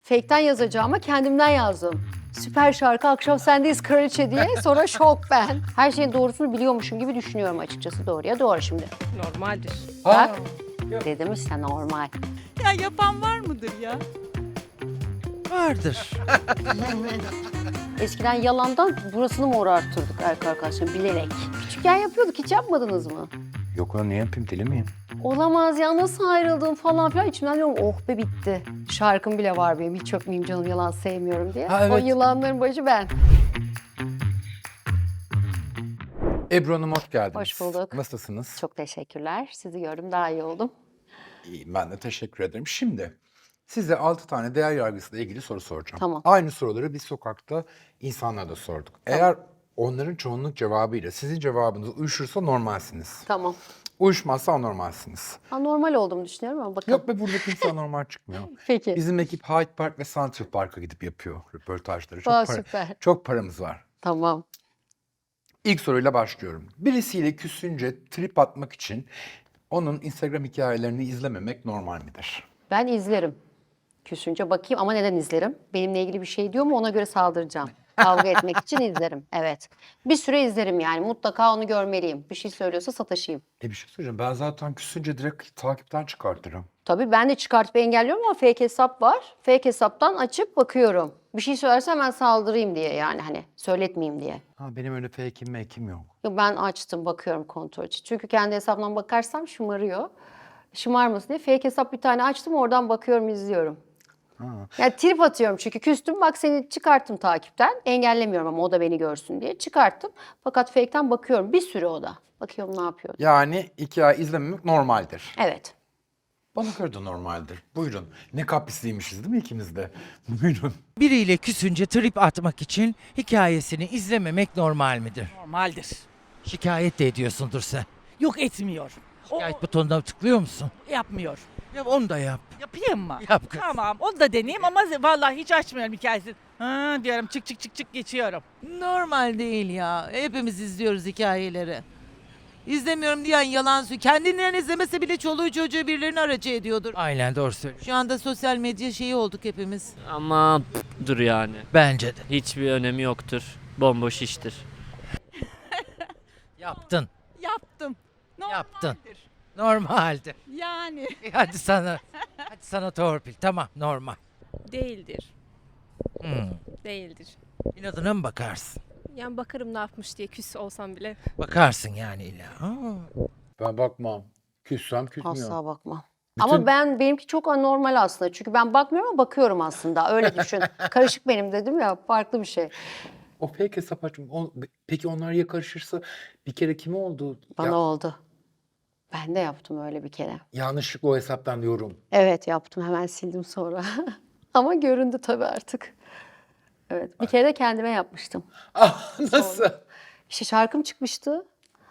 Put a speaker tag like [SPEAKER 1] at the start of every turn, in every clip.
[SPEAKER 1] Fake'ten yazacağıma kendimden yazdım. Süper şarkı Akşam Sendeyiz Kraliçe diye. Sonra şok ben. Her şeyin doğrusunu biliyormuşum gibi düşünüyorum açıkçası. Doğruya doğru şimdi.
[SPEAKER 2] Normaldir.
[SPEAKER 1] Bak dedim işte normal.
[SPEAKER 2] Ya yapan var mıdır ya?
[SPEAKER 3] Vardır.
[SPEAKER 1] Eskiden yalandan burasını mor arttırdık arkadaşlar bilerek. Küçükken yapıyorduk, hiç yapmadınız mı?
[SPEAKER 4] Yok lan, ne yapayım, deli miyim?
[SPEAKER 1] Olamaz ya, nasıl ayrıldım falan filan. İçimden diyorum oh be bitti. Şarkım bile var benim, hiç öpmeyeyim canım yalan sevmiyorum diye.
[SPEAKER 4] Ha, evet.
[SPEAKER 1] O yılanların başı ben.
[SPEAKER 4] Ebru Hanım hoş geldiniz.
[SPEAKER 1] Hoş bulduk.
[SPEAKER 4] Nasılsınız?
[SPEAKER 1] Çok teşekkürler. Sizi gördüm, daha iyi oldum.
[SPEAKER 4] İyiyim, ben de teşekkür ederim. Şimdi size 6 tane değer yargısıyla ilgili soru soracağım.
[SPEAKER 1] Tamam.
[SPEAKER 4] Aynı soruları biz sokakta insanlara da sorduk. Eğer onların çoğunluk cevabıyla sizin cevabınız uyuşursa normalsiniz.
[SPEAKER 1] Tamam.
[SPEAKER 4] Uyuşmazsa anormalsiniz.
[SPEAKER 1] Normal olduğumu düşünüyorum ama bakalım.
[SPEAKER 4] Yok be, burada kimse anormal çıkmıyor.
[SPEAKER 1] Peki.
[SPEAKER 4] Bizim ekip Hyde Park ve Central Park'a gidip yapıyor röportajları. Çok,
[SPEAKER 1] Aa, süper.
[SPEAKER 4] çok paramız var.
[SPEAKER 1] Tamam.
[SPEAKER 4] İlk soruyla başlıyorum. Birisiyle küsünce trip atmak için onun Instagram hikayelerini izlememek normal midir?
[SPEAKER 1] Ben izlerim. Küsünce bakayım ama neden izlerim? Benimle ilgili bir şey diyor mu, ona göre saldıracağım. Kavga etmek için izlerim, evet. Bir süre izlerim yani, mutlaka onu görmeliyim. Bir şey söylüyorsa sataşayım.
[SPEAKER 4] Bir şey söyleyeceğim. Ben zaten küsünce direkt takipten çıkartırım.
[SPEAKER 1] Tabii ben de çıkartıp engelliyorum ama fake hesap var. Fake hesaptan açıp bakıyorum. Bir şey söylerse hemen saldırayım diye, yani hani söyletmeyeyim diye.
[SPEAKER 4] Ha, benim öyle fake'im mekim yok.
[SPEAKER 1] Yo, ben açtım, bakıyorum kontrol için. Çünkü kendi hesabımdan bakarsam şımarıyor. Şımarmasın diye fake hesap bir tane açtım, oradan bakıyorum, izliyorum. Yani trip atıyorum çünkü küstüm, bak seni çıkarttım takipten. Engellemiyorum ama o da beni görsün diye çıkarttım. Fakat fake'ten bakıyorum bir süre, o da. Bakıyorum ne yapıyor.
[SPEAKER 4] Yani hikaye izlememek normaldir.
[SPEAKER 1] Evet.
[SPEAKER 4] Bana göre de normaldir. Buyurun. Ne kaprisliymişiz değil mi ikimiz de? Buyurun.
[SPEAKER 3] Biriyle küsünce trip atmak için hikayesini izlememek normal midir?
[SPEAKER 2] Normaldir.
[SPEAKER 3] Şikayet de ediyorsundur sen.
[SPEAKER 2] Yok etmiyor.
[SPEAKER 3] Şikayet butonuna tıklıyor musun?
[SPEAKER 2] Yapmıyor.
[SPEAKER 3] Ya onu da yap.
[SPEAKER 2] Yapayım mı?
[SPEAKER 3] Yap kız.
[SPEAKER 2] Tamam onu da deneyeyim ama vallahi hiç açmıyorum hikayesini. Ha diyorum çık çık çık çık geçiyorum.
[SPEAKER 5] Normal değil ya. Hepimiz izliyoruz hikayeleri. İzlemiyorum diyen yalan söylüyor. Kendinden izlemese bile çoluğu çocuğu birilerini aracı ediyordur.
[SPEAKER 3] Aynen doğru söylüyorsun.
[SPEAKER 5] Şu anda sosyal medya şeyi olduk hepimiz.
[SPEAKER 6] Ama dur yani.
[SPEAKER 3] Bence de.
[SPEAKER 6] Hiçbir önemi yoktur. Bomboş iştir.
[SPEAKER 3] Yaptın.
[SPEAKER 2] Yaptım. Normaldir.
[SPEAKER 3] Yaptın. Normaldi.
[SPEAKER 2] Yani.
[SPEAKER 3] Hadi sana torpil. Tamam normal.
[SPEAKER 7] Değildir.
[SPEAKER 3] Hmm.
[SPEAKER 7] Değildir.
[SPEAKER 3] İnadına mı bakarsın?
[SPEAKER 7] Yani bakarım ne yapmış diye küs olsam bile.
[SPEAKER 3] Bakarsın yani illa. Aa.
[SPEAKER 4] Ben bakmam. Küssem küsmüyorum.
[SPEAKER 1] Asla bakmam.
[SPEAKER 4] Bütün-
[SPEAKER 1] Ama benimki çok anormal aslında. Çünkü ben bakmıyorum ama bakıyorum aslında. Öyle düşün. Karışık benim dedim ya, farklı bir şey.
[SPEAKER 4] O fake hesap açma. Peki onlar ya karışırsa bir kere kime oldu?
[SPEAKER 1] Bana oldu. Ben de yaptım öyle bir kere.
[SPEAKER 4] Yanlışlıkla o hesaptan diyorum.
[SPEAKER 1] Evet yaptım, hemen sildim sonra. Ama göründü tabii artık. Evet, bir kere de kendime yapmıştım.
[SPEAKER 4] Ah, nasıl?
[SPEAKER 1] İşte şarkım çıkmıştı.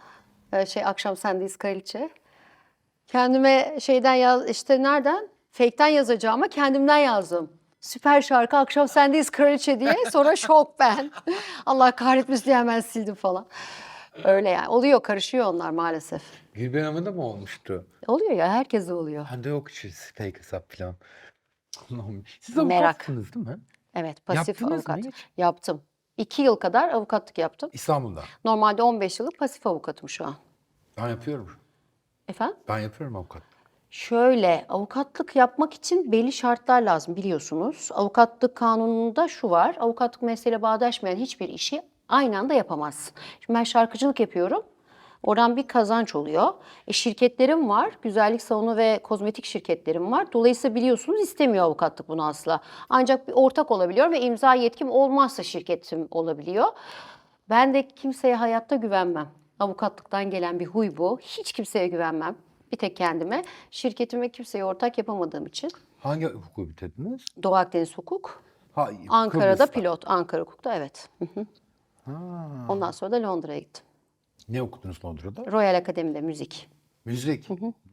[SPEAKER 1] Akşam Sendeyiz Kraliçe. Kendime şeyden işte nereden? Fake'ten yazacağıma kendimden yazdım. Süper şarkı Akşam Sendeyiz Kraliçe diye. Sonra şok ben. Allah kahretmesin diye hemen sildim falan. Öyle yani. Oluyor, karışıyor onlar maalesef.
[SPEAKER 4] Gülben Hanım'da mı olmuştu?
[SPEAKER 1] Oluyor ya, herkese oluyor.
[SPEAKER 4] Bende yok hiç fake hesap falan. Allah'ım. Siz
[SPEAKER 1] Merak.
[SPEAKER 4] avukatsınız değil mi?
[SPEAKER 1] Evet, pasif
[SPEAKER 4] Yaptınız mı
[SPEAKER 1] avukat.
[SPEAKER 4] hiç?
[SPEAKER 1] Yaptım. 2 yıl kadar avukatlık yaptım.
[SPEAKER 4] İstanbul'da.
[SPEAKER 1] Normalde 15 yıllık pasif avukatım şu an.
[SPEAKER 4] Ben yapıyorum.
[SPEAKER 1] Efendim?
[SPEAKER 4] Ben yapıyorum avukat.
[SPEAKER 1] Şöyle, avukatlık yapmak için belli şartlar lazım biliyorsunuz. Avukatlık kanununda şu var, avukatlık mesleğiyle bağdaşmayan hiçbir işi aynı anda yapamazsın. Şimdi ben şarkıcılık yapıyorum, oradan bir kazanç oluyor. Şirketlerim var, güzellik salonu ve kozmetik şirketlerim var. Dolayısıyla biliyorsunuz istemiyor avukatlık bunu asla. Ancak bir ortak olabiliyor ve imza yetkim olmazsa şirketim olabiliyor. Ben de kimseye hayatta güvenmem. Avukatlıktan gelen bir huy bu. Hiç kimseye güvenmem. Bir tek kendime. Şirketime kimseye ortak yapamadığım için.
[SPEAKER 4] Hangi hukuku bitirdiniz?
[SPEAKER 1] Doğu Akdeniz Hukuk.
[SPEAKER 4] Ha,
[SPEAKER 1] Ankara'da
[SPEAKER 4] Kıbrıs'ta.
[SPEAKER 1] pilot. Ankara Hukuk'ta evet. Hı hı. Ondan sonra da Londra'ya gittim.
[SPEAKER 4] Ne okudunuz Londra'da?
[SPEAKER 1] Royal Akademi'de müzik.
[SPEAKER 4] Müzik.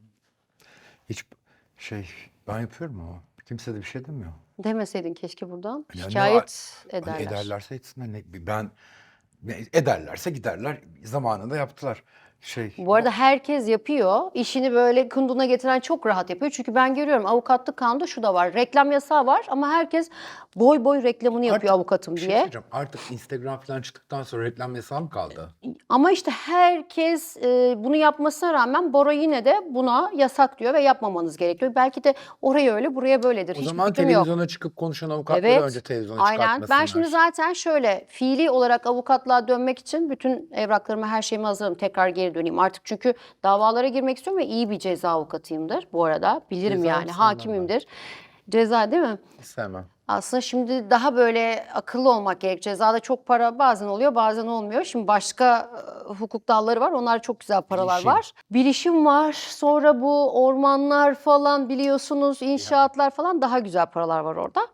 [SPEAKER 4] Hiç ben yapıyorum ama kimse de bir şey demiyor.
[SPEAKER 1] Demeseydin keşke buradan.
[SPEAKER 4] Ya ne
[SPEAKER 1] Şikayet
[SPEAKER 4] Hani
[SPEAKER 1] ederler.
[SPEAKER 4] ederlerse etsinler. Ben ederlerse giderler. Zamanında yaptılar.
[SPEAKER 1] Bu arada herkes yapıyor. İşini böyle kunduna getiren çok rahat yapıyor. Çünkü ben görüyorum avukatlık kanunda şu da var. Reklam yasağı var ama herkes boy boy reklamını yapıyor avukatım
[SPEAKER 4] bir şey
[SPEAKER 1] diye.
[SPEAKER 4] söyleyeceğim. Artık Instagram falan çıktıktan sonra reklam yasağı mı kaldı?
[SPEAKER 1] Ama işte herkes bunu yapmasına rağmen Bora yine de buna yasak diyor ve yapmamanız gerekiyor. Belki de oraya öyle buraya böyledir.
[SPEAKER 4] O
[SPEAKER 1] Hiç
[SPEAKER 4] zaman
[SPEAKER 1] fikrim yok.
[SPEAKER 4] televizyona çıkıp konuşan avukatları
[SPEAKER 1] Evet,
[SPEAKER 4] önce televizyona
[SPEAKER 1] aynen.
[SPEAKER 4] çıkartmasınlar.
[SPEAKER 1] Ben şimdi zaten şöyle fiili olarak avukatlığa dönmek için bütün evraklarımı, her şeyimi hazırladım. Tekrar geri döneyim artık çünkü davalara girmek istiyorum ve iyi bir ceza avukatıyımdır bu arada. Bilirim
[SPEAKER 4] Ceza
[SPEAKER 1] yani,
[SPEAKER 4] mısın
[SPEAKER 1] hakimimdir. Ceza değil mi?
[SPEAKER 4] Sevmem.
[SPEAKER 1] Aslında şimdi daha böyle akıllı olmak gerek. Cezada çok para bazen oluyor, bazen olmuyor. Şimdi başka hukuk dalları var. Onlar çok güzel paralar
[SPEAKER 4] Bilişim.
[SPEAKER 1] var. Bilişim var. Sonra bu ormanlar falan biliyorsunuz, inşaatlar falan daha güzel paralar var orada.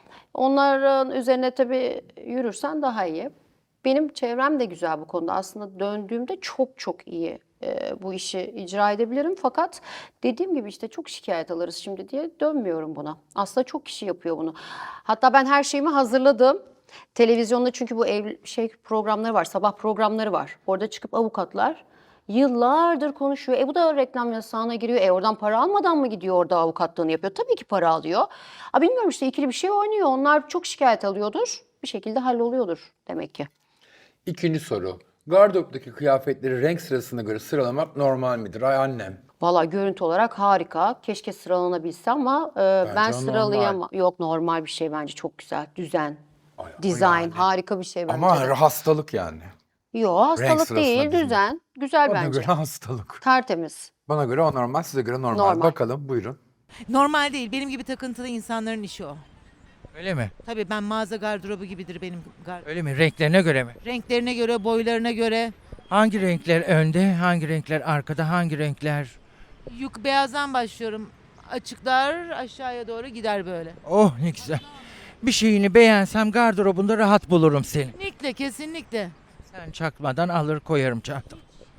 [SPEAKER 1] Onların üzerine tabii yürürsen daha iyi. Benim çevrem de güzel bu konuda. Aslında döndüğümde çok çok iyi bu işi icra edebilirim. Fakat dediğim gibi işte çok şikayet alırız şimdi diye dönmüyorum buna. Aslında çok kişi yapıyor bunu. Hatta ben her şeyimi hazırladım. Televizyonda çünkü bu programları var, sabah programları var. Orada çıkıp avukatlar yıllardır konuşuyor. Bu da reklam yasağına giriyor. Oradan para almadan mı gidiyor orada avukatlığını yapıyor? Tabii ki para alıyor. Bilmiyorum işte ikili bir şey oynuyor. Onlar çok şikayet alıyordur. Bir şekilde halloluyordur demek ki.
[SPEAKER 4] İkinci soru. Gardıroptaki kıyafetleri renk sırasına göre sıralamak normal midir? Ay annem.
[SPEAKER 1] Valla görüntü olarak harika. Keşke sıralanabilse ama ben
[SPEAKER 4] o
[SPEAKER 1] sıralayamam. Yok, normal bir şey bence, çok güzel. Düzen,
[SPEAKER 4] Ay, o
[SPEAKER 1] dizayn
[SPEAKER 4] yani.
[SPEAKER 1] harika bir şey bence
[SPEAKER 4] Ama
[SPEAKER 1] de.
[SPEAKER 4] hastalık yani.
[SPEAKER 1] Yok, hastalık
[SPEAKER 4] sırasına
[SPEAKER 1] değil,
[SPEAKER 4] dizmek.
[SPEAKER 1] düzen. Güzel
[SPEAKER 4] Bana
[SPEAKER 1] bence.
[SPEAKER 4] göre hastalık.
[SPEAKER 1] Tertemiz.
[SPEAKER 4] Bana göre o normal, size göre normal.
[SPEAKER 1] Normal.
[SPEAKER 4] Bakalım buyurun.
[SPEAKER 5] Normal değil. Benim gibi takıntılı insanların işi o.
[SPEAKER 3] Öyle mi?
[SPEAKER 5] Tabii ben mağaza gardırobu gibidir benim
[SPEAKER 3] Öyle mi? Renklerine göre mi?
[SPEAKER 5] renklerine göre, boylarına göre.
[SPEAKER 3] Hangi renkler önde, hangi renkler arkada, hangi renkler?
[SPEAKER 5] Beyazdan başlıyorum. Açıklar aşağıya doğru gider böyle.
[SPEAKER 3] Oh ne güzel. Bir şeyini beğensem gardırobunda rahat bulurum seni.
[SPEAKER 5] Kesinlikle, kesinlikle.
[SPEAKER 3] Sen çakmadan alır koyarım çantam.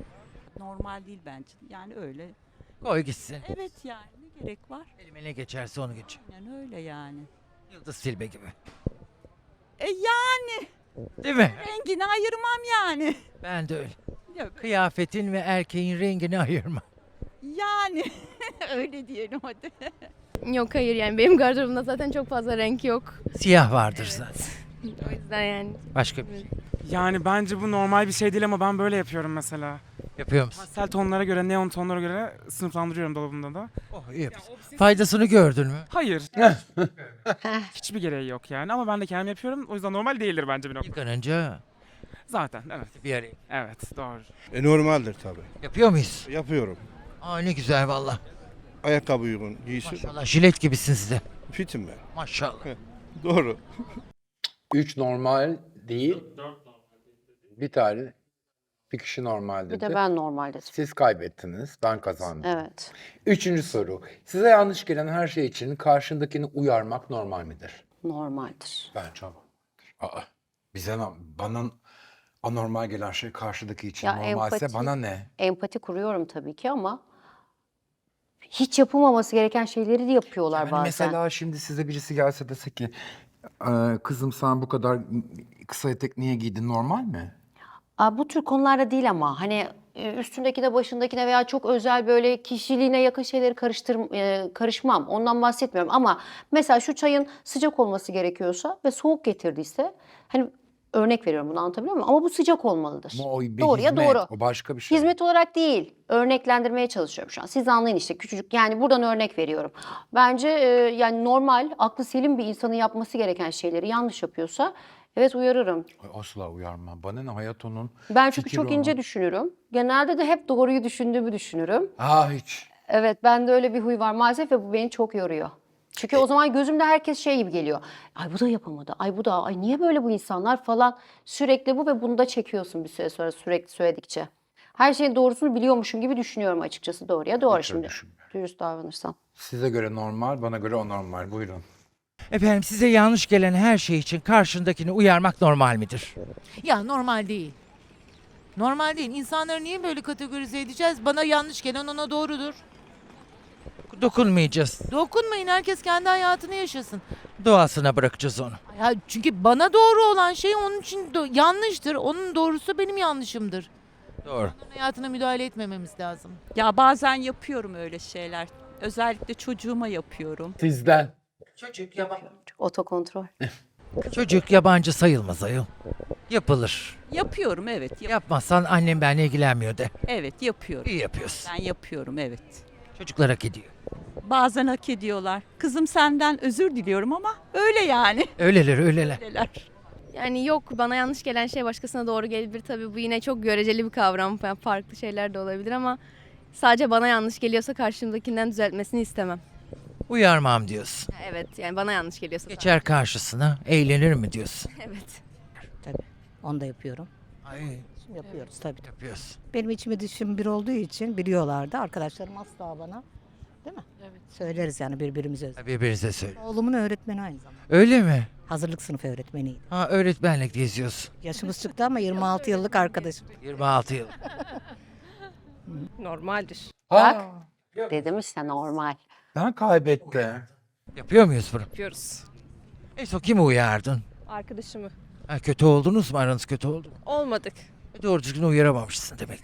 [SPEAKER 8] Normal değil bence. Yani öyle.
[SPEAKER 3] Koy gitsin.
[SPEAKER 8] Evet yani ne gerek var?
[SPEAKER 3] Elime ne geçerse onu geç.
[SPEAKER 8] Yani öyle yani.
[SPEAKER 3] Yıldız Silbe gibi.
[SPEAKER 8] Yani
[SPEAKER 3] Değil mi?
[SPEAKER 8] rengini ayırmam yani.
[SPEAKER 3] Ben de öyle.
[SPEAKER 8] Ya,
[SPEAKER 3] Kıyafetin ve erkeğin rengini ayırma.
[SPEAKER 8] yani öyle diyelim hadi.
[SPEAKER 7] Yok, hayır, yani benim gardırobumda zaten çok fazla renk yok.
[SPEAKER 3] Siyah vardır zaten.
[SPEAKER 7] O yüzden yani.
[SPEAKER 3] Başka bir şey.
[SPEAKER 9] Yani bence bu normal bir şey değil ama ben böyle yapıyorum mesela.
[SPEAKER 3] Yapıyor musun?
[SPEAKER 9] Pastel tonlara göre, neon tonlara göre sınıflandırıyorum dolabımda da.
[SPEAKER 3] Oh iyi yapıyorsun. Faydasını gördün mü?
[SPEAKER 9] Hayır. Hiçbir gereği yok yani ama ben de kendim yapıyorum. O yüzden normal değildir bence bir nokta.
[SPEAKER 3] Yıkanınca
[SPEAKER 9] Zaten evet.
[SPEAKER 3] bir araya.
[SPEAKER 9] Evet doğru.
[SPEAKER 10] Normaldir tabii.
[SPEAKER 3] Yapıyor muyuz?
[SPEAKER 10] Yapıyorum.
[SPEAKER 3] Aa ne güzel valla.
[SPEAKER 10] Ayakkabı uygun, giysi.
[SPEAKER 3] Maşallah jilet gibisin siz de.
[SPEAKER 10] Fitim ben.
[SPEAKER 3] Maşallah.
[SPEAKER 10] Doğru.
[SPEAKER 4] 3 normal değil. Bir kişi normal dedi.
[SPEAKER 1] Bir de ben normal dedim.
[SPEAKER 4] Siz kaybettiniz, ben kazandım.
[SPEAKER 1] Evet.
[SPEAKER 4] Üçüncü soru. Size yanlış gelen her şey için karşındakini uyarmak normal midir?
[SPEAKER 1] Normaldir.
[SPEAKER 4] Bence ama. Bana anormal gelen şey karşıdaki için
[SPEAKER 1] Ya
[SPEAKER 4] normalse
[SPEAKER 1] empati-
[SPEAKER 4] bana ne?
[SPEAKER 1] Empati kuruyorum tabii ki ama hiç yapılmaması gereken şeyleri de yapıyorlar
[SPEAKER 4] Yani
[SPEAKER 1] bazen.
[SPEAKER 4] mesela şimdi size birisi gelse dese ki kızım sen bu kadar kısa etek niye giydin, normal mi?
[SPEAKER 1] Bu tür konularda değil ama hani üstündekine, başındakine veya çok özel böyle kişiliğine yakın şeyleri karışmam. Ondan bahsetmiyorum ama mesela şu çayın sıcak olması gerekiyorsa ve soğuk getirdiyse, hani örnek veriyorum, bunu anlatabiliyor muyum? Ama bu sıcak olmalıdır.
[SPEAKER 4] Ama o bir
[SPEAKER 1] Doğruya
[SPEAKER 4] hizmet,
[SPEAKER 1] doğru.
[SPEAKER 4] o başka bir şey.
[SPEAKER 1] Hizmet olarak değil, örneklendirmeye çalışıyorum şu an. Siz anlayın işte, küçücük, yani buradan örnek veriyorum. Bence yani normal, aklı selim bir insanın yapması gereken şeyleri yanlış yapıyorsa evet uyarırım.
[SPEAKER 4] Ay, asla uyarmam. Bana ne, hayat onun.
[SPEAKER 1] Ben çünkü
[SPEAKER 4] fikri
[SPEAKER 1] çok
[SPEAKER 4] onun.
[SPEAKER 1] ince düşünürüm. Genelde de hep doğruyu düşündüğümü düşünürüm.
[SPEAKER 4] Hiç.
[SPEAKER 1] Evet, bende öyle bir huy var maalesef ve bu beni çok yoruyor. Çünkü o zaman gözümde herkes şey gibi geliyor. Ay bu da yapamadı, ay bu da, ay niye böyle bu insanlar falan. Sürekli bu ve bunu da çekiyorsun bir süre sonra sürekli söyledikçe. Her şeyin doğrusunu biliyormuşum gibi düşünüyorum açıkçası, doğruya doğru
[SPEAKER 4] Hiç öyle
[SPEAKER 1] şimdi.
[SPEAKER 4] düşünmüyorum.
[SPEAKER 1] Dürüst davranırsam.
[SPEAKER 4] Size göre normal, bana göre anormal. Buyurun.
[SPEAKER 3] Efendim size yanlış gelen her şey için karşındakini uyarmak normal midir?
[SPEAKER 5] Ya normal değil. Normal değil. İnsanları niye böyle kategorize edeceğiz? Bana yanlış gelen ona doğrudur.
[SPEAKER 3] Dokunmayacağız.
[SPEAKER 5] Dokunmayın, herkes kendi hayatını yaşasın.
[SPEAKER 3] Doğasına bırakacağız onu.
[SPEAKER 5] Ya çünkü bana doğru olan şey onun için yanlıştır. Onun doğrusu benim yanlışımdır.
[SPEAKER 3] Doğru.
[SPEAKER 5] Hayatına müdahale etmememiz lazım.
[SPEAKER 8] Ya bazen yapıyorum öyle şeyler. Özellikle çocuğuma yapıyorum.
[SPEAKER 4] Sizden.
[SPEAKER 1] Otokontrol.
[SPEAKER 3] Çocuk yabancı sayılmaz ayol. Yapılır.
[SPEAKER 8] Yapıyorum evet.
[SPEAKER 3] Yapmazsan annem benimle ilgilenmiyor de.
[SPEAKER 8] Evet yapıyorum.
[SPEAKER 3] İyi yapıyorsun.
[SPEAKER 8] Ben yapıyorum evet.
[SPEAKER 3] Çocuklar hak ediyor.
[SPEAKER 8] Bazen hak ediyorlar. Kızım senden özür diliyorum ama öyle yani.
[SPEAKER 3] Öyleler öyleler.
[SPEAKER 8] Öyleler.
[SPEAKER 7] Yani yok, bana yanlış gelen şey başkasına doğru gelebilir. Tabii bu yine çok göreceli bir kavram. Yani farklı şeyler de olabilir ama sadece bana yanlış geliyorsa karşımdakinden düzeltmesini istemem.
[SPEAKER 3] Uyarmam diyorsun.
[SPEAKER 7] Evet, yani bana yanlış geliyorsa.
[SPEAKER 3] Geçer karşısına eğlenir mi diyorsun?
[SPEAKER 7] Evet.
[SPEAKER 11] Onu da yapıyorum.
[SPEAKER 3] Ay
[SPEAKER 11] Yapıyoruz tabii.
[SPEAKER 3] yapıyorsun.
[SPEAKER 11] Benim içime düşüm bir olduğu için biliyorlardı. Arkadaşlarım asla bana, değil mi? Evet. Söyleriz yani birbirimize.
[SPEAKER 3] Birbirinize söyle.
[SPEAKER 11] Oğlumun öğretmeni aynı zamanda.
[SPEAKER 3] Öyle mi?
[SPEAKER 11] Hazırlık sınıfı öğretmeniydi.
[SPEAKER 3] Ha öğretmenlik geziyorsun.
[SPEAKER 11] Yaşımız çıktı ama 26 yıllık arkadaşım.
[SPEAKER 3] 26 yıl.
[SPEAKER 7] Normaldir.
[SPEAKER 1] Bak. Dedim işte normal.
[SPEAKER 4] Ben kaybettim.
[SPEAKER 3] Yapıyor muyuz bunu?
[SPEAKER 7] Yapıyoruz.
[SPEAKER 3] En son kimi uyardın?
[SPEAKER 7] Arkadaşımı.
[SPEAKER 3] Ha, kötü oldunuz mu? Aranız kötü oldu mu?
[SPEAKER 7] Olmadık.
[SPEAKER 3] Doğru düzgün uyaramamışsın demek.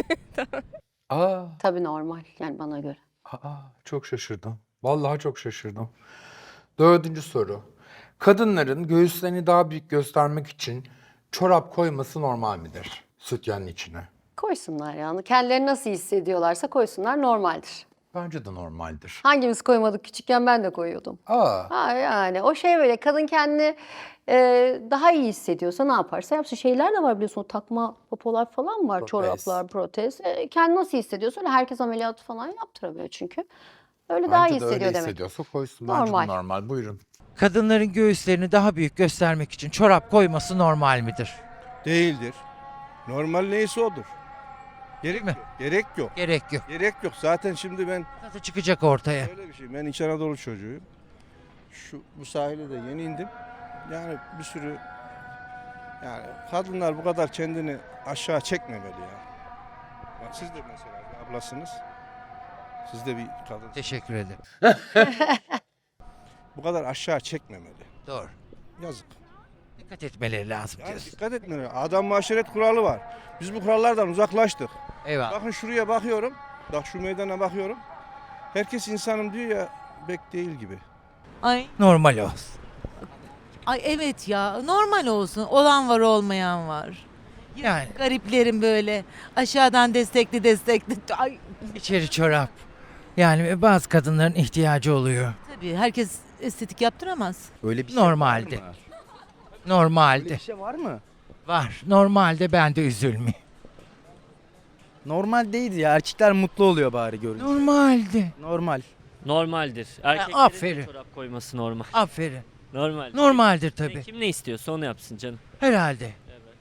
[SPEAKER 4] Aa,
[SPEAKER 1] Tabii normal yani bana göre.
[SPEAKER 4] çok şaşırdım. Vallahi çok şaşırdım. 4. soru. Kadınların göğüslerini daha büyük göstermek için çorap koyması normal midir? Sütyenin içine.
[SPEAKER 1] Koysunlar yani. Kendileri nasıl hissediyorlarsa koysunlar, normaldir.
[SPEAKER 4] Bence de normaldir.
[SPEAKER 1] Hangimiz koymadık küçükken, ben de koyuyordum. Ha yani o şey böyle kadın kendini daha iyi hissediyorsa ne yaparsa yapsın. Şeyler de var biliyorsun, o takma popolar falan var,
[SPEAKER 4] Protez.
[SPEAKER 1] çoraplar, protez. Kendi nasıl hissediyorsa öyle, herkes ameliyat falan yaptıramıyor çünkü. Öyle daha iyi
[SPEAKER 4] Bence de öyle
[SPEAKER 1] hissediyor demek.
[SPEAKER 4] hissediyorsa koysun. Bence de
[SPEAKER 1] Normal.
[SPEAKER 4] normal. Buyurun.
[SPEAKER 3] Kadınların göğüslerini daha büyük göstermek için çorap koyması normal midir?
[SPEAKER 10] Değildir. Normal neyse odur. Gerek
[SPEAKER 3] mi?
[SPEAKER 10] yok. Gerek yok.
[SPEAKER 3] Gerek yok.
[SPEAKER 10] Gerek yok. Zaten şimdi ben
[SPEAKER 3] Zaten çıkacak ortaya.
[SPEAKER 10] öyle bir şey. Ben İç Anadolu çocuğuyum. Bu sahile de yeni indim. Yani bir sürü yani kadınlar bu kadar kendini aşağı çekmemeli ya. Bak siz de mesela bir ablasınız. Siz de bir kadın.
[SPEAKER 3] Teşekkür ederim.
[SPEAKER 10] Bu kadar aşağı çekmemeli.
[SPEAKER 3] Doğru.
[SPEAKER 10] Yazık.
[SPEAKER 3] Dikkat etmeleri lazım
[SPEAKER 10] Yani
[SPEAKER 3] diyorsun.
[SPEAKER 10] dikkat etmeleri. Adam maşeret kuralı var. Biz bu kurallardan uzaklaştık.
[SPEAKER 3] Eyvallah.
[SPEAKER 10] Bakın şuraya bakıyorum. Bak şu meydana bakıyorum. Herkes insanım diyor ya, pek değil gibi.
[SPEAKER 5] Ay,
[SPEAKER 3] Normal olsun.
[SPEAKER 5] ay evet ya, normal olsun. Olan var, olmayan var.
[SPEAKER 3] Yani
[SPEAKER 5] Gariplerin böyle aşağıdan destekli. Ay,
[SPEAKER 3] içeri çorap. Yani bazı kadınların ihtiyacı oluyor.
[SPEAKER 5] tabii herkes estetik yaptıramaz.
[SPEAKER 10] Öyle bir
[SPEAKER 3] Normalde.
[SPEAKER 10] Öyle
[SPEAKER 3] Normalde.
[SPEAKER 10] bir şey var mı?
[SPEAKER 3] Var. Normalde ben de üzülmeyeyim.
[SPEAKER 12] Normal değildi ya. Erkekler mutlu oluyor bari görünce.
[SPEAKER 3] Normalde.
[SPEAKER 12] Normal.
[SPEAKER 6] Normaldir. Erkeklerin
[SPEAKER 3] aferin.
[SPEAKER 6] de çorap koyması normal.
[SPEAKER 3] Aferin.
[SPEAKER 6] Normal.
[SPEAKER 3] Normaldir tabii.
[SPEAKER 6] Kim ne istiyorsa onu yapsın canım.
[SPEAKER 3] Herhalde.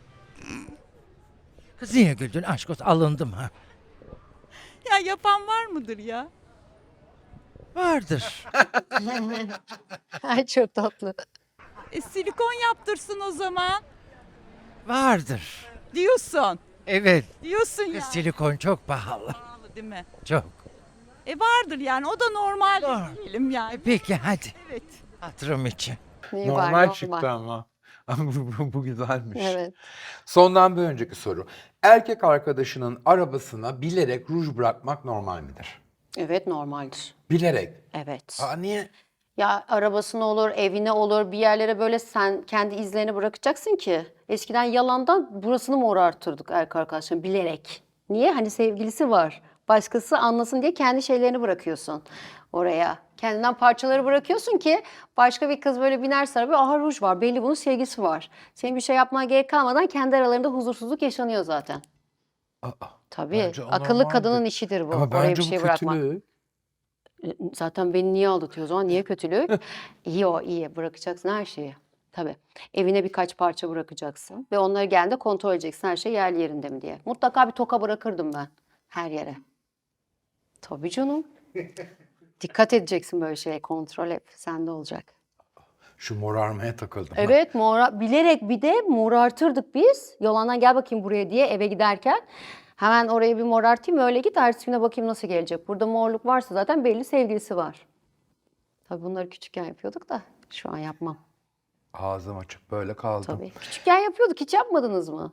[SPEAKER 3] Kız niye güldün? Aşk olsun, alındım ha.
[SPEAKER 8] Ya yapan var mıdır ya?
[SPEAKER 3] Vardır.
[SPEAKER 1] Ay çok tatlı.
[SPEAKER 8] Silikon yaptırsın o zaman.
[SPEAKER 3] Vardır.
[SPEAKER 8] Diyorsun.
[SPEAKER 3] Evet.
[SPEAKER 8] Diyorsun ya.
[SPEAKER 3] Kız silikon çok pahalı.
[SPEAKER 8] Pahalı değil mi?
[SPEAKER 3] Çok.
[SPEAKER 8] Vardır yani, o da normal
[SPEAKER 3] Doğru.
[SPEAKER 8] diyelim yani.
[SPEAKER 3] Peki hadi.
[SPEAKER 8] Evet.
[SPEAKER 3] Hatırım için.
[SPEAKER 1] Neyi var,
[SPEAKER 4] Normal çıktı ama. Bu güzelmiş.
[SPEAKER 1] Evet.
[SPEAKER 4] Sondan bir önceki soru. Erkek arkadaşının arabasına bilerek ruj bırakmak normal midir?
[SPEAKER 1] Evet, normaldir.
[SPEAKER 4] Bilerek.
[SPEAKER 1] Evet.
[SPEAKER 4] Niye?
[SPEAKER 1] Ya arabasına olur, evine olur, bir yerlere böyle sen kendi izlerini bırakacaksın ki. Eskiden yalandan burasını morartırdık erkek arkadaşlarım bilerek. Niye? Hani sevgilisi var. Başkası anlasın diye kendi şeylerini bırakıyorsun oraya. Kendinden parçaları bırakıyorsun ki başka bir kız böyle binerse arabaya, aha ruj var, belli bunun sevgisi var. Senin bir şey yapmana gerek kalmadan kendi aralarında huzursuzluk yaşanıyor zaten. Tabii.
[SPEAKER 4] Bence o
[SPEAKER 1] Akıllı
[SPEAKER 4] normaldir.
[SPEAKER 1] kadının işidir bu.
[SPEAKER 4] Ama
[SPEAKER 1] Oraya
[SPEAKER 4] bence
[SPEAKER 1] bir
[SPEAKER 4] bu
[SPEAKER 1] şey bırakmak.
[SPEAKER 4] kötülük.
[SPEAKER 1] Zaten beni niye aldatıyor o zaman? Niye kötülük? İyi o, iyi. Bırakacaksın her şeyi. Tabii. Evine birkaç parça bırakacaksın. Ve onları geldiğinde kontrol edeceksin her şey yerli yerinde mi diye. Mutlaka bir toka bırakırdım ben. Her yere. Tabii canım. Dikkat edeceksin böyle şeye. Kontrol hep sende olacak.
[SPEAKER 4] Şu morarmaya takıldım. ben.
[SPEAKER 1] Evet, bilerek bir de morartırdık biz. Yalandan gel bakayım buraya diye eve giderken. Hemen oraya bir morartayım, öyle git, ertesi güne bakayım nasıl gelecek. Burada morluk varsa zaten belli sevgilisi var. Tabii bunları küçükken yapıyorduk da şu an yapmam.
[SPEAKER 4] Ağzım açık böyle kaldım.
[SPEAKER 1] Tabii. Küçükken yapıyorduk, hiç yapmadınız mı?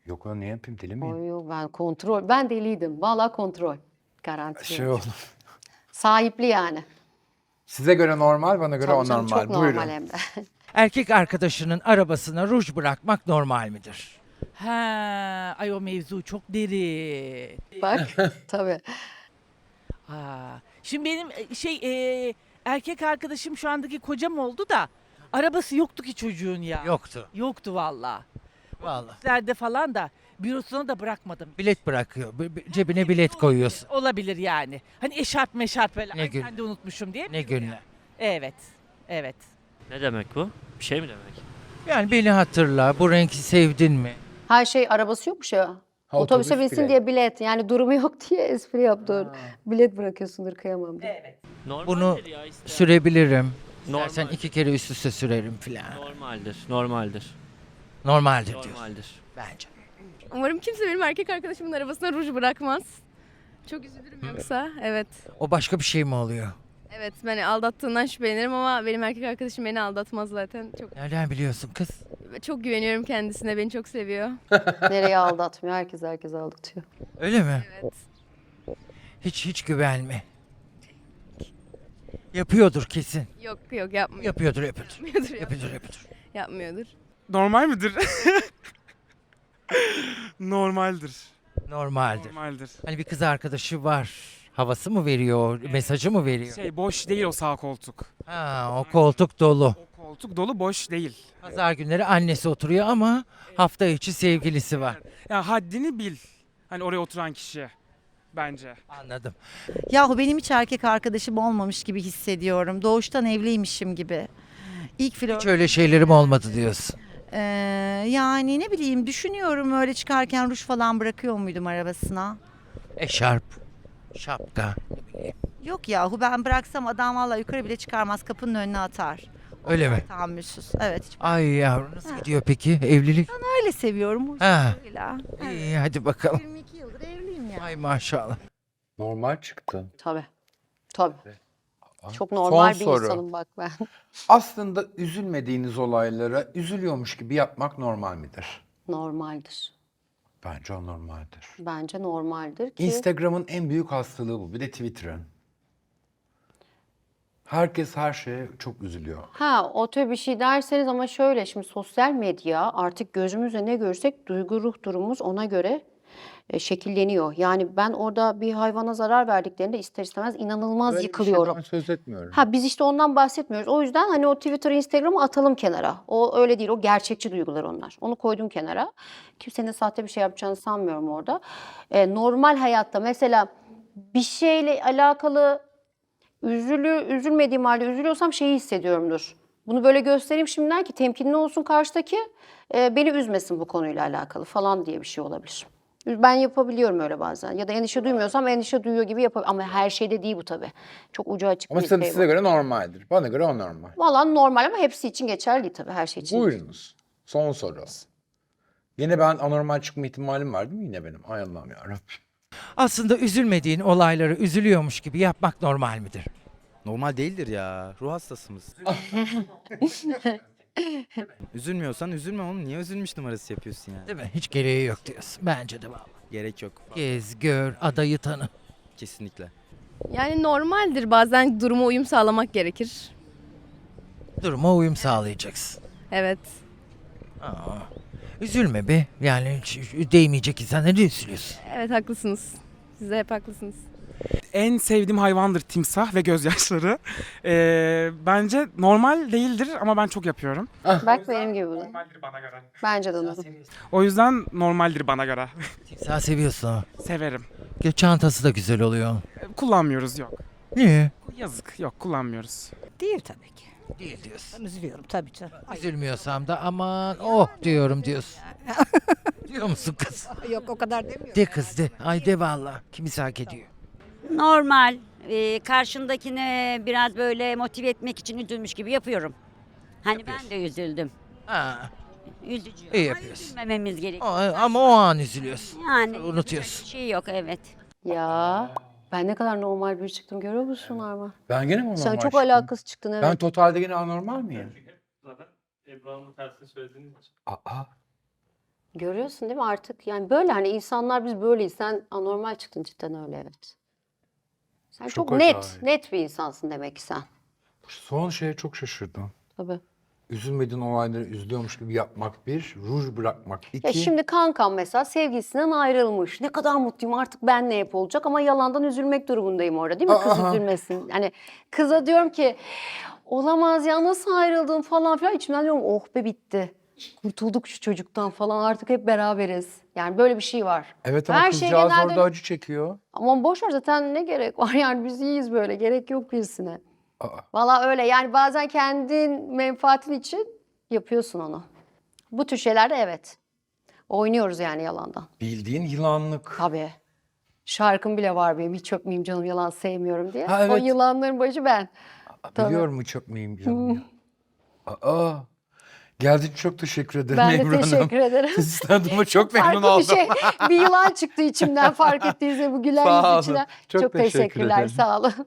[SPEAKER 4] Yok lan, ne yapayım, deli miyim?
[SPEAKER 1] Oy, ben kontrol. Ben deliydim. Vallahi kontrol. Garanti.
[SPEAKER 4] Şey oldu.
[SPEAKER 1] Sahipli yani.
[SPEAKER 4] Size göre normal, bana göre
[SPEAKER 1] Tabii canım,
[SPEAKER 4] anormal.
[SPEAKER 1] çok normal
[SPEAKER 4] Buyurun.
[SPEAKER 1] hem de.
[SPEAKER 3] Erkek arkadaşının arabasına ruj bırakmak normal midir?
[SPEAKER 2] Ha, ay o mevzu çok derin.
[SPEAKER 1] Bak tabii.
[SPEAKER 2] Şimdi benim erkek arkadaşım şu andaki kocam oldu da arabası yoktu ki çocuğun ya.
[SPEAKER 3] Yoktu.
[SPEAKER 2] Yoktu valla.
[SPEAKER 3] Vallahi.
[SPEAKER 2] Nerede falan da bürosuna da bırakmadım.
[SPEAKER 3] Bilet bırakıyor. Cebine bilet koyuyorsun.
[SPEAKER 2] Olabilir yani. Hani eşarp meşarp böyle.
[SPEAKER 3] Ne
[SPEAKER 2] Ay,
[SPEAKER 3] gün-
[SPEAKER 2] ben de unutmuşum diye.
[SPEAKER 3] Ne günler.
[SPEAKER 2] Evet. Evet.
[SPEAKER 6] Ne demek bu? Bir şey mi demek?
[SPEAKER 3] Yani beni hatırla. Bu renki sevdin mi?
[SPEAKER 1] Her şey arabası yokmuş ya.
[SPEAKER 4] Ha,
[SPEAKER 1] Otobüse
[SPEAKER 4] otobüs
[SPEAKER 1] binsin
[SPEAKER 4] bile.
[SPEAKER 1] diye bilet. Yani durumu yok diye espri yaptı. Bilet bırakıyorsundur, kıyamam diye.
[SPEAKER 6] Normaldir
[SPEAKER 3] Bunu
[SPEAKER 6] ya işte.
[SPEAKER 3] sürebilirim.
[SPEAKER 6] Normal.
[SPEAKER 3] İstersen 2 kere üst üste sürerim filan.
[SPEAKER 6] Normaldir. Normaldir.
[SPEAKER 3] Normaldir diyorsun.
[SPEAKER 6] Normaldir.
[SPEAKER 3] Bence.
[SPEAKER 7] Umarım kimse benim erkek arkadaşımın arabasına ruj bırakmaz. Çok üzülürüm yoksa. Evet.
[SPEAKER 3] O başka bir şey mi oluyor?
[SPEAKER 7] Evet, beni aldattığından şüphelenirim ama benim erkek arkadaşım beni aldatmaz zaten.
[SPEAKER 3] Nereden biliyorsun kız?
[SPEAKER 7] Çok güveniyorum kendisine, beni çok seviyor.
[SPEAKER 1] Nereye aldatmıyor? Herkes aldatıyor.
[SPEAKER 3] Öyle mi?
[SPEAKER 7] Evet.
[SPEAKER 3] Hiç güvenme. Yapıyordur kesin.
[SPEAKER 7] Yok yapmıyor.
[SPEAKER 3] Yapıyordur.
[SPEAKER 7] Yapmıyordur. Yapmıyordur.
[SPEAKER 9] Normal midir? Normaldir.
[SPEAKER 3] Normaldir.
[SPEAKER 9] Normaldir.
[SPEAKER 3] Hani bir kız arkadaşı var. Havası mı veriyor? Mesajı mı veriyor?
[SPEAKER 9] Boş değil o sağ koltuk.
[SPEAKER 3] Ha, o koltuk dolu.
[SPEAKER 9] O koltuk dolu, boş değil.
[SPEAKER 3] Pazar günleri annesi oturuyor ama hafta içi sevgilisi var.
[SPEAKER 9] Ya haddini bil. Hani oraya oturan kişi. Bence.
[SPEAKER 3] Anladım.
[SPEAKER 11] Yahu benim hiç erkek arkadaşım olmamış gibi hissediyorum. Doğuştan evliymişim gibi. İlk flört.
[SPEAKER 3] Hiç öyle şeylerim olmadı diyorsun.
[SPEAKER 11] Yani ne bileyim, düşünüyorum öyle çıkarken ruj falan bırakıyor muydum arabasına?
[SPEAKER 3] Eşarp, şapka.
[SPEAKER 11] Yok yahu, ben bıraksam adam vallahi yukarı bile çıkarmaz, kapının önüne atar.
[SPEAKER 3] Öyle mi?
[SPEAKER 11] Tahammülsüz. Evet, hiç
[SPEAKER 3] Ay yavrum, nasıl gidiyor peki evlilik?
[SPEAKER 11] öyle seviyorum.
[SPEAKER 3] Ha.
[SPEAKER 11] Huzuruyla.
[SPEAKER 3] İyi, hadi bakalım.
[SPEAKER 11] 22 yıldır evliyim ya.
[SPEAKER 3] Ay maşallah.
[SPEAKER 4] Normal çıktı.
[SPEAKER 1] Tabii. Tabii. Çok
[SPEAKER 4] Son
[SPEAKER 1] normal bir
[SPEAKER 4] soru.
[SPEAKER 1] insanım bak ben.
[SPEAKER 4] Aslında üzülmediğiniz olaylara üzülüyormuş gibi yapmak normal midir?
[SPEAKER 1] Normaldir.
[SPEAKER 4] Bence o normaldir.
[SPEAKER 1] Bence normaldir ki.
[SPEAKER 4] Instagram'ın en büyük hastalığı bu. Bir de Twitter'ın. Herkes her şeye çok üzülüyor.
[SPEAKER 1] Ha, o tür bir şey derseniz ama şöyle, şimdi sosyal medya artık gözümüzle ne görsek duygu ruh durumumuz ona göre şekilleniyor. Yani ben orada bir hayvana zarar verdiklerinde ister istemez inanılmaz
[SPEAKER 4] Böyle bir
[SPEAKER 1] yıkılıyorum.
[SPEAKER 4] şeyden söz etmiyorum.
[SPEAKER 1] Ha, biz işte ondan bahsetmiyoruz. O yüzden hani o Twitter, Instagram'ı atalım kenara. O öyle değil. O gerçekçi duygular onlar. Onu koydum kenara. Kimsenin sahte bir şey yapacağını sanmıyorum orada. Normal hayatta mesela bir şeyle alakalı üzülmediğim halde üzülüyorsam şeyi hissediyorumdur. Bunu böyle göstereyim şimdiden ki temkinli olsun karşıdaki, beni üzmesin bu konuyla alakalı falan diye bir şey olabilir. Ben yapabiliyorum öyle bazen. Ya da endişe duymuyorsam endişe duyuyor gibi yapabiliyorum. Ama her şeyde değil bu tabii. Çok ucu açık
[SPEAKER 4] Ama
[SPEAKER 1] bir
[SPEAKER 4] tabii
[SPEAKER 1] şey
[SPEAKER 4] size
[SPEAKER 1] bu.
[SPEAKER 4] göre normaldir. Bana göre o normal.
[SPEAKER 1] Vallahi normal ama hepsi için geçerli değil tabii. Her şey için.
[SPEAKER 4] Buyurunuz. Son soru. Yine ben anormal çıkma ihtimalim var değil mi yine benim? Ay Allah'ım yarabbim.
[SPEAKER 3] Aslında üzülmediğin olayları üzülüyormuş gibi yapmak normal midir?
[SPEAKER 12] Normal değildir ya. Ruh hastasımız. Üzülmüyorsan üzülme oğlum. Niye üzülmüş numarası yapıyorsun yani?
[SPEAKER 3] Değil mi? Hiç gereği yok diyorsun. Bence de vallahi.
[SPEAKER 12] Gerek yok.
[SPEAKER 3] Gez, gör, adayı tanı.
[SPEAKER 12] Kesinlikle.
[SPEAKER 7] Yani normaldir, bazen duruma uyum sağlamak gerekir.
[SPEAKER 3] Duruma uyum sağlayacaksın.
[SPEAKER 7] Evet.
[SPEAKER 3] Aa, üzülme be. Yani hiç değmeyecek insanlara ne üzülüyorsun?
[SPEAKER 7] Evet, haklısınız. Siz de hep haklısınız.
[SPEAKER 9] En sevdiğim hayvandır timsah ve gözyaşları. Bence normal değildir ama ben çok yapıyorum.
[SPEAKER 1] Bak benim gibi bu.
[SPEAKER 9] Normaldir bana göre.
[SPEAKER 1] Bence de normal.
[SPEAKER 9] O yüzden normaldir bana göre.
[SPEAKER 3] Timsah seviyorsun ama.
[SPEAKER 9] Severim.
[SPEAKER 3] Çantası da güzel oluyor.
[SPEAKER 9] Kullanmıyoruz, yok.
[SPEAKER 3] Niye?
[SPEAKER 9] Yazık, yok kullanmıyoruz.
[SPEAKER 11] Değil tabii ki.
[SPEAKER 3] Değil diyorsun.
[SPEAKER 11] Ben üzülüyorum tabii canım.
[SPEAKER 3] Üzülmüyorsam da aman oh diyorum diyorsun. Diyor musun kız?
[SPEAKER 11] Yok, o kadar demiyorum.
[SPEAKER 3] De kız de. Ay de valla. Kimisi hak ediyor.
[SPEAKER 13] Normal. Karşındakine biraz böyle motive etmek için üzülmüş gibi yapıyorum. Hani ben de üzüldüm.
[SPEAKER 3] Ha,
[SPEAKER 13] Üzücü.
[SPEAKER 3] İyi
[SPEAKER 13] Ama
[SPEAKER 3] yapıyorsun.
[SPEAKER 13] üzülmememiz gerekiyor.
[SPEAKER 3] ama o an üzülüyorsun.
[SPEAKER 13] Yani
[SPEAKER 3] Unutuyorsun.
[SPEAKER 13] bir şey yok, evet.
[SPEAKER 1] Ya ben ne kadar normal bir çıktım görüyor musun Arma?
[SPEAKER 4] Ben gene mi normal
[SPEAKER 1] Sen çok
[SPEAKER 4] çıktım?
[SPEAKER 1] alakasız çıktın evet.
[SPEAKER 4] Ben totalde gene anormal miyim?
[SPEAKER 6] Zaten Ebru'nun tersini söylediğiniz için.
[SPEAKER 4] Aa.
[SPEAKER 1] Görüyorsun değil mi artık? Yani böyle hani insanlar biz böyleyiz. Sen anormal çıktın cidden öyle evet. Sen
[SPEAKER 4] Çok
[SPEAKER 1] çok net,
[SPEAKER 4] acayip.
[SPEAKER 1] net bir insansın demek ki sen.
[SPEAKER 4] Son şeye çok şaşırdım.
[SPEAKER 1] Tabii.
[SPEAKER 4] Üzülmediğin olayları üzülüyormuş gibi yapmak bir, ruj bırakmak iki.
[SPEAKER 1] Ya şimdi kankam mesela sevgilisinden ayrılmış. Ne kadar mutluyum artık benle hep olacak ama yalandan üzülmek durumundayım orada değil mi? Kız
[SPEAKER 4] Aa.
[SPEAKER 1] üzülmesin. Hani kıza diyorum ki olamaz ya nasıl ayrıldın falan filan. İçimden diyorum oh be bitti. Kurtulduk şu çocuktan falan artık hep beraberiz. Yani böyle bir şey var.
[SPEAKER 4] Evet ama
[SPEAKER 1] Her şey
[SPEAKER 4] kızcağız
[SPEAKER 1] genelde-
[SPEAKER 4] orada acı çekiyor.
[SPEAKER 1] Ama boş ver zaten ne gerek var yani biz iyiyiz böyle gerek yok birisine.
[SPEAKER 4] Aa.
[SPEAKER 1] Valla öyle yani bazen kendin menfaatin için yapıyorsun onu. Bu tür şeylerde evet. Oynuyoruz yani yalandan.
[SPEAKER 4] Bildiğin yılanlık.
[SPEAKER 1] Tabii. Şarkım bile var benim hiç öpmeyeyim canım yalan sevmiyorum diye.
[SPEAKER 4] Ha,
[SPEAKER 1] O
[SPEAKER 4] evet.
[SPEAKER 1] yılanların başı ben. Tabii.
[SPEAKER 4] Biliyorum çok miyim canım ya. Aa. Geldiğin için çok teşekkür ederim
[SPEAKER 1] Ben de
[SPEAKER 4] Ebru Hanım.
[SPEAKER 1] teşekkür ederim.
[SPEAKER 4] Sizi tanıdığıma çok memnun
[SPEAKER 1] Farklı
[SPEAKER 4] oldum.
[SPEAKER 1] bir şey. Bir yılan çıktı içimden fark ettiğinizde bu güler
[SPEAKER 4] Sağ
[SPEAKER 1] yüz
[SPEAKER 4] olun.
[SPEAKER 1] içinden.
[SPEAKER 4] Çok teşekkür
[SPEAKER 1] teşekkürler
[SPEAKER 4] ederim.
[SPEAKER 1] sağ olun.